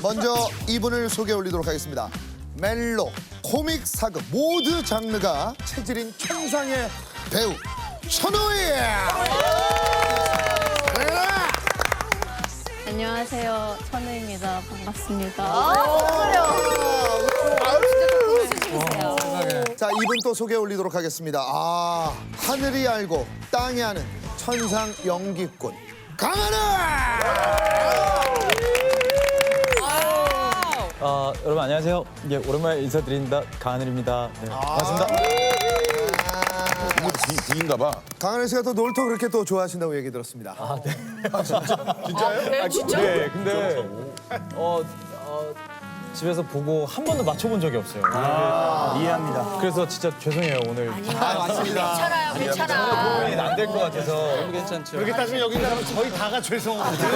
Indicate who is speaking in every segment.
Speaker 1: 먼저 이분을 소개해 올리도록 하겠습니다. 멜로, 코믹, 사극 모두 장르가 체질인 천상의 배우 천우희.
Speaker 2: 안녕하세요. 천우입니다. 반갑습니다.
Speaker 1: 자, 이분 또 소개해 올리도록 하겠습니다. 하늘이 알고 땅이 아는 천상 연기꾼 강하늘.
Speaker 3: 여러분 안녕하세요. 예, 오랜만에 인사드립니다. 강하늘입니다. 네, 반갑습니다.
Speaker 4: D인가 봐.
Speaker 1: 강하늘 씨가 또 놀토 그렇게 또 좋아하신다고 얘기 들었습니다.
Speaker 3: 네, 근데 집에서 보고 한 번도 맞춰본 적이 없어요. 이해합니다. 그래서 진짜 죄송해요 오늘.
Speaker 5: 괜찮아요, 괜찮아.
Speaker 3: 안 될 것 같아서. 괜찮죠.
Speaker 6: 이렇게 따지면 여기 사람은 저희 다가 죄송합니다.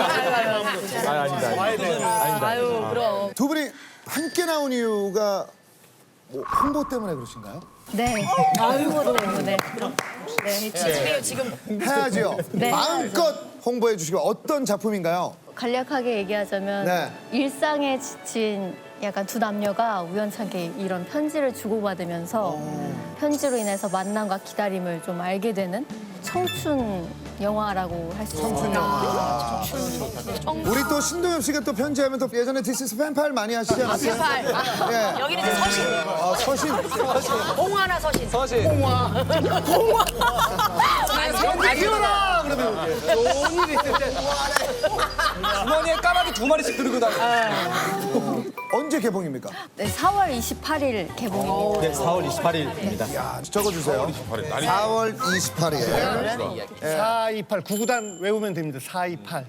Speaker 3: 아닙니다.
Speaker 5: 아유, 그럼.
Speaker 1: 두 분이 함께 나온 이유가 뭐 홍보 때문에 그러신가요?
Speaker 2: 네. 홍보 때문에. 네.
Speaker 5: 지금
Speaker 1: 해야죠.
Speaker 2: 네.
Speaker 1: 마음껏 홍보해 주시고 어떤 작품인가요?
Speaker 2: 간략하게 얘기하자면
Speaker 1: 네.
Speaker 2: 일상에 지친 약간 두 남녀가 우연찮게 이런 편지를 주고받으면서 편지로 인해서 만남과 기다림을 좀 알게 되는 청춘 영화라고 할 수 있습니다.
Speaker 1: 우리 또 신동엽 씨가 또 편지하면 또 예전에 디스스 팬팔 많이 하시지 않았어요? 예.
Speaker 5: 여기는 이제 서신.
Speaker 1: 서신.
Speaker 5: 홍화나 서신.
Speaker 6: 아니오라 그러면 좋은 일이 있을 때
Speaker 3: 주머니에 까마귀 2마리씩 들고 다녀.
Speaker 1: 언제 개봉입니까?
Speaker 2: 네, 4월 28일 개봉입니다.
Speaker 3: 네, 4월 28일입니다.
Speaker 1: 야, 적어주세요. 4월 28일.
Speaker 6: 428 구구단 외우면 됩니다. 428.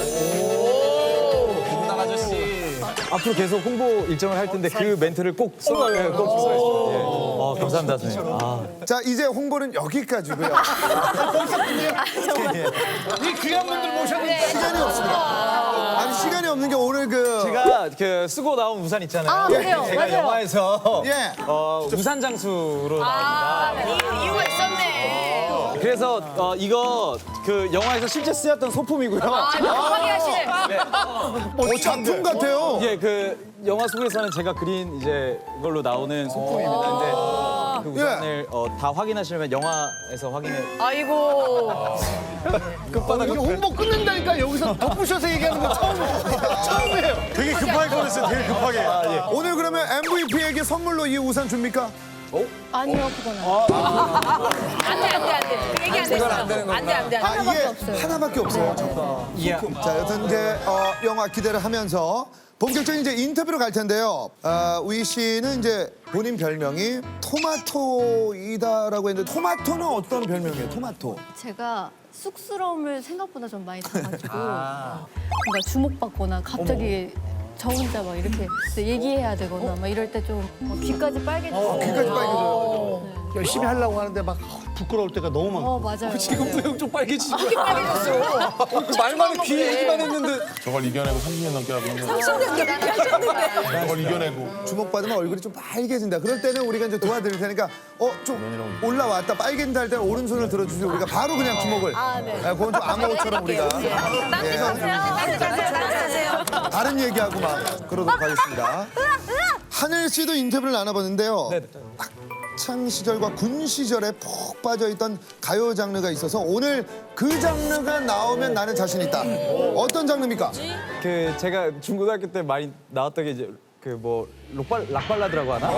Speaker 3: 앞으로 계속 홍보 일정을 할 텐데 그 멘트를 꼭 써주세요. 감사합니다, 선생님.
Speaker 1: 자, 이제 홍보는 여기까지고요.
Speaker 6: 이 귀한 분들 모셨는데
Speaker 1: 시간이 없습니다. 아니, 시간이 없는 게 오늘
Speaker 3: 제가 그 쓰고 나온 우산 있잖아요.
Speaker 2: 그래요?
Speaker 3: 제가
Speaker 2: 맞아요.
Speaker 3: 영화에서
Speaker 1: 예.
Speaker 3: 우산 장수로 나옵니다.
Speaker 5: 이유가 있었네.
Speaker 3: 그래서 이거 그 영화에서 실제 쓰였던 소품이고요.
Speaker 5: 급하게 하시네.
Speaker 1: 작품 같아요.
Speaker 3: 예, 그 영화 속에서는 제가 그린 이제 이걸로 나오는 소품입니다. 근데 그 우산을 다 확인하시려면 영화에서 확인해.
Speaker 5: 아이고.
Speaker 6: 이게 홍보 끝낸다니까 여기서 덧붙여서 얘기하는 거 처음이에요. 되게 급하게 꺼냈어요. 되게 급하게.
Speaker 1: 오늘 그러면 MVP에게 선물로 이 우산 줍니까?
Speaker 2: 아니요, 그건 아니에요.
Speaker 5: 안 돼. 그 얘기 안 됐어. 안 돼.
Speaker 1: 이게
Speaker 2: 없어요.
Speaker 1: 하나밖에 없어요. 자, 여튼 이제 영화 기대를 하면서 본격적인 이제 인터뷰로 갈 텐데요. 우희 씨는 이제 본인 별명이 토마토이다라고 했는데 토마토는 어떤 별명이에요? 토마토.
Speaker 2: 제가 쑥스러움을 생각보다 좀 많이 타가지고 뭔가 주목받거나 갑자기 저 혼자 막 이렇게 얘기해야 되거나 막 이럴 때 좀 귀까지 빨개져서
Speaker 1: 귀까지 빨개져요.
Speaker 6: 열심히 하려고 하는데 막 부끄러울 때가 너무 많고.
Speaker 2: 맞아요.
Speaker 3: 지금도 좀 빨개지고.
Speaker 5: 빨개졌어.
Speaker 3: 말만 귀 얘기만 했는데.
Speaker 4: 저걸 이겨내고 30년 넘게 하고 있는 거.
Speaker 5: 30년 넘게 하셨는데.
Speaker 4: 저걸 이겨내고.
Speaker 1: 주목받으면 얼굴이 좀 빨개진다. 그럴 때는 우리가 이제 도와드릴 테니까 좀 올라왔다 빨개진다 할 때는 오른손을 들어주시고 우리가 바로 그냥 주목을.
Speaker 2: 네.
Speaker 1: 그건 좀 암호처럼 우리가.
Speaker 5: 딴데 가세요.
Speaker 1: 다른 얘기하고 막 그러도록 하겠습니다. 하늘 씨도 인터뷰를 나눠봤는데요.
Speaker 3: 네.
Speaker 1: 학창 시절과 군 시절에 푹 빠져있던 가요 장르가 있어서 오늘 그 장르가 나오면 나는 자신 있다. 어떤 장르입니까?
Speaker 3: 그 제가 중고등학교 때 많이 나왔던 게 이제 그 뭐 락발라드라고 하나?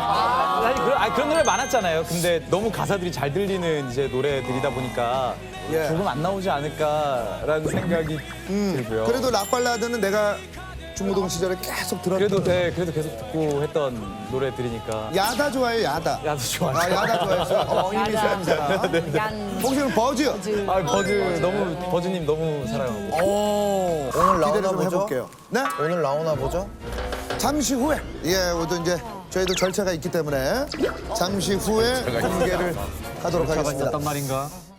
Speaker 3: 그런 노래 많았잖아요. 근데 너무 가사들이 잘 들리는 이제 노래들이다 보니까 조금 안 나오지 않을까라는 생각이 들고요.
Speaker 1: 그래도 락발라드는 내가 중고등 시절에 계속 들었던.
Speaker 3: 그래도 계속 듣고 했던 노래들이니까.
Speaker 1: 야다 좋아해요, 야다.
Speaker 3: 야도 좋아요.
Speaker 1: 야다 좋아해서 이미 사람이잖아. 혹시는 버즈.
Speaker 3: 버즈님 너무 사랑하고.
Speaker 1: 기대를
Speaker 7: 오늘 나오나
Speaker 1: 좀
Speaker 7: 보죠?
Speaker 1: 해볼게요. 네?
Speaker 7: 오늘 나오나 보죠?
Speaker 1: 잠시 후에 오늘 이제 저희도 절차가 있기 때문에 잠시 후에 공개를 하도록 하겠습니다.
Speaker 3: 말인가?